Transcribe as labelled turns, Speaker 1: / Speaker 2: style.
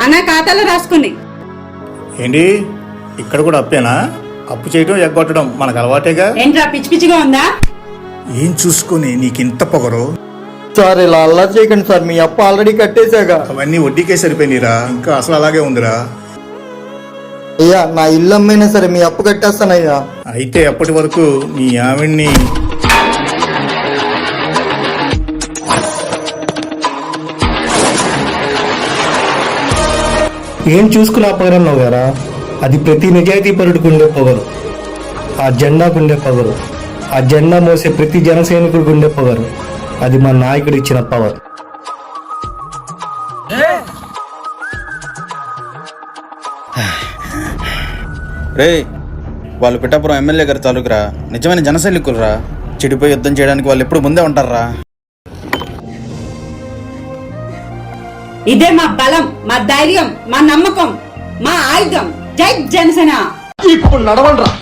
Speaker 1: అన్న ఖాతాలో రాసుకుని.
Speaker 2: ఏంటి ఇక్కడ కూడా అప్పేనా? అప్పు చేయడం ఎగ్గొట్టడం మనకు అలవాటేగా.
Speaker 1: ఏంట్రా పిచ్చి పిచ్చిగా ఉందా?
Speaker 2: ఏం చూసుకొని నీకింత పొగరు?
Speaker 3: సార్ ఇలా అల్లరి చేయకండి సార్, మీ అప్పు ఆల్రెడీ కట్టేశాగా.
Speaker 2: అవన్నీ వడ్డీకే సరిపోయినరా, ఇంకా అసలు అలాగే ఉందిరా.
Speaker 3: అయ్యా నా ఇల్లు అమ్మైనా సరే మీ అప్పు కట్టేస్తానయ్యా.
Speaker 2: అయితే అప్పటి వరకు నీ ఆవిడ్ని
Speaker 4: ఏం చూసుకుని పొగరన్నావు గారా? అది ప్రతి నిజాయితీ పరుడికి ఉండే పొగరు, ఆ జెండాకు ఉండే పొగరు, ఆ జెండా మోసే ప్రతి జనసైనికుడికి ఉండే పొగరు. అది మా నాయకుడు ఇచ్చిన పవర్.
Speaker 5: రే, వాళ్ళు పిఠాపురం ఎమ్మెల్యే గారి తాలూకురా, నిజమైన జనసైనికులరా. చెడిపోయి యుద్ధం చేయడానికి వాళ్ళు ఎప్పుడు ముందే ఉంటారా.
Speaker 1: ఇదే మా బలం, మా ధైర్యం, మా నమ్మకం, మా ఆయుధం. జై జనసేన.
Speaker 3: ఇప్పుడు నడవండ్రా.